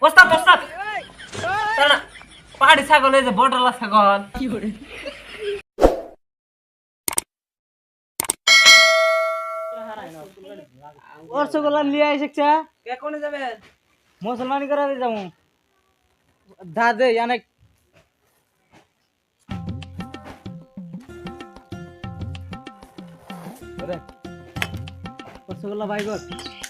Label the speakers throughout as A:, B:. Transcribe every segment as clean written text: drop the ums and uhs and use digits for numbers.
A: ওস্তাদ ওস্তাদ তারা পাহাড়ি ছাগল এই যে বটলা ছাগল কি করে
B: রসগোল্লা নিয়ে এসেছে
A: কে কোনে যাবেন
B: মুসলমানি করাতে যাবো দাদে অনেক রসগোল্লা ভাই গো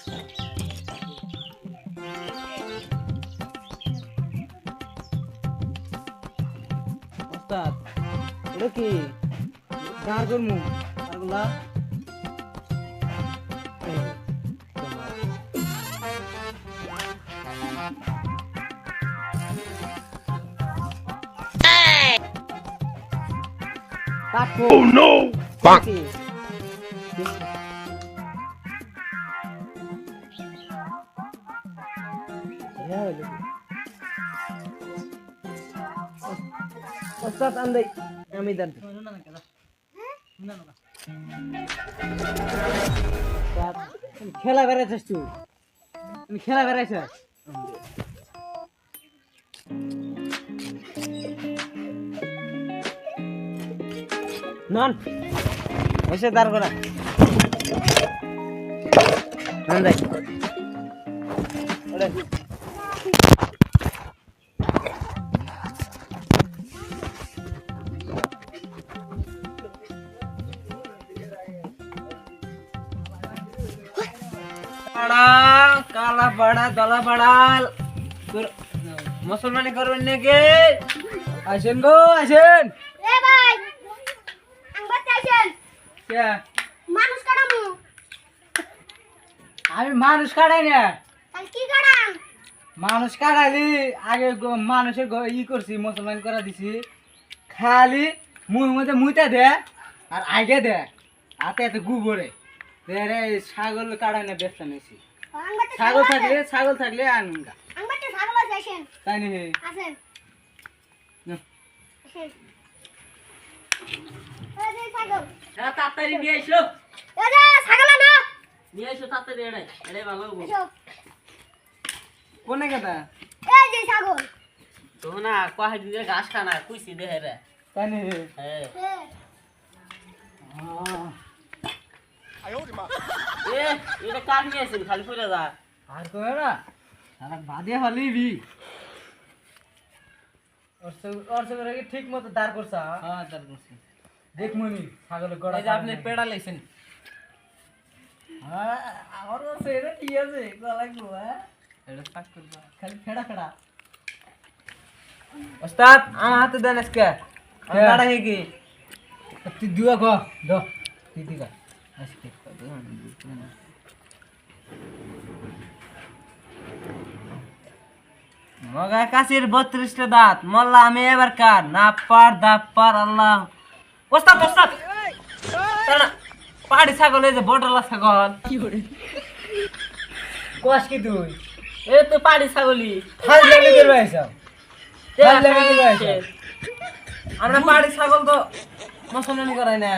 B: ওস্তাদ এটা কি দাঁড় করমু আরগুলা Oh no! Fuck! Ustaz andai kami dan খেলা বেড়াইছিস তুই তুমি খেলা বেড়াইছিস নন এসে দাঁড় করা আন্দাই ওরে
A: बड़ा काला बड़ा दला बड़ा मुसलमानी करবেন নাকি
B: আসেন গো আসেন
C: এ ভাই আঙ্গাতে আসেন
B: কে
C: মানুষ কাটামু
B: আমি মানুষ কাটাই না
C: তাহলে কি কাটাম
B: মানুষ কাটাইলি আগে মানুষের ই করছি মুসলমান করা দিছি খালি মুখ মধ্যে মুইটা দে আর আগে দে হাতে হাতে গুবরে রে ছাগল কাটাই না ব্যবসা নিয়েছি
C: আঙ্গাতে
B: ছাগল থাকলে আনগা
C: আঙ্গাতে ছাগল আছে আসেন
B: তাই নি
C: আসেন
B: না।
C: আসেন এই যে ছাগল
A: তাড়াতাড়ি নিয়ে এসো
C: এই যে ছাগল না
A: নিয়ে এসো তাড়াতাড়ি এটাই ভালো হবে
C: এসো
B: কোনে কথা
C: এই যে ছাগল
A: তো না কয় দিলে ঘাস খানা কুইছি দেহে রে
B: তাই নি
A: হ্যাঁ এ এটা কাট নিয়েছেন খালি পড়ে যা
B: আর তো না সারা বাদে হলিবি ওর সঙ্গে কি ঠিক মতো দাঁড় করছা
A: হ্যাঁ দাঁড় করছি
B: দেখ মনি ছাগলের গড়া
A: এই যে আপনি পেড়া লাইছেন
B: হ্যাঁ আমার কাছে এটা ঠিক আছে গলা লাগবো হ্যাঁ
A: এটা পাক করবা
B: খালি ফেড়া ফেড়া
A: ওস্তাদ আমার হাতে দেন আজকে আমি দাঁড়া হে কি
B: তুই দুয়া গো দো তুই দিগা
A: আজকে মগা কাশির 32টা দাঁত মোল্লা আমি এবার কার না পার দাপ পার আল্লাহ ওস্তাদ ওস্তাদ তারা পাহাড়ি ছাগল এই যে বটলা ছাগল
B: কি করে কোয়াস কি তুই
A: এ তো পাহাড়ি ছাগলি
B: খাই লাগি করবে এসব খাই লাগি করবে এসব
A: আমরা পাহাড়ি ছাগল তো মুসলমানি করাই না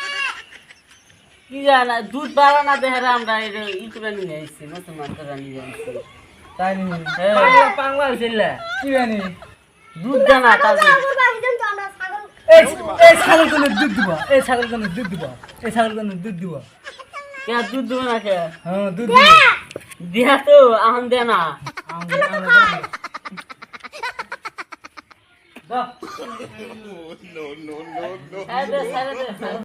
A: কি জানা দুধ বাড়া না দেহারে আমরা ই করে নিয়ে আসছি মুসলমান করে নিয়ে আসছি
B: তাই নি
A: পাংলা হয়েছিল
B: কি জানি
A: দুধ জানা তাদের
C: বাহিজন তো আমরা ছাগল
B: এই ছাগল কোন দুধ দিব এই ছাগল কোন দুধ দিব এই ছাগল কোন দুধ দিব
A: কে দুধ দেবো না কে
B: হ্যাঁ দুধ দিব
A: দিয়া তো আহম দে না
B: দাও
A: সাইডে সাইডে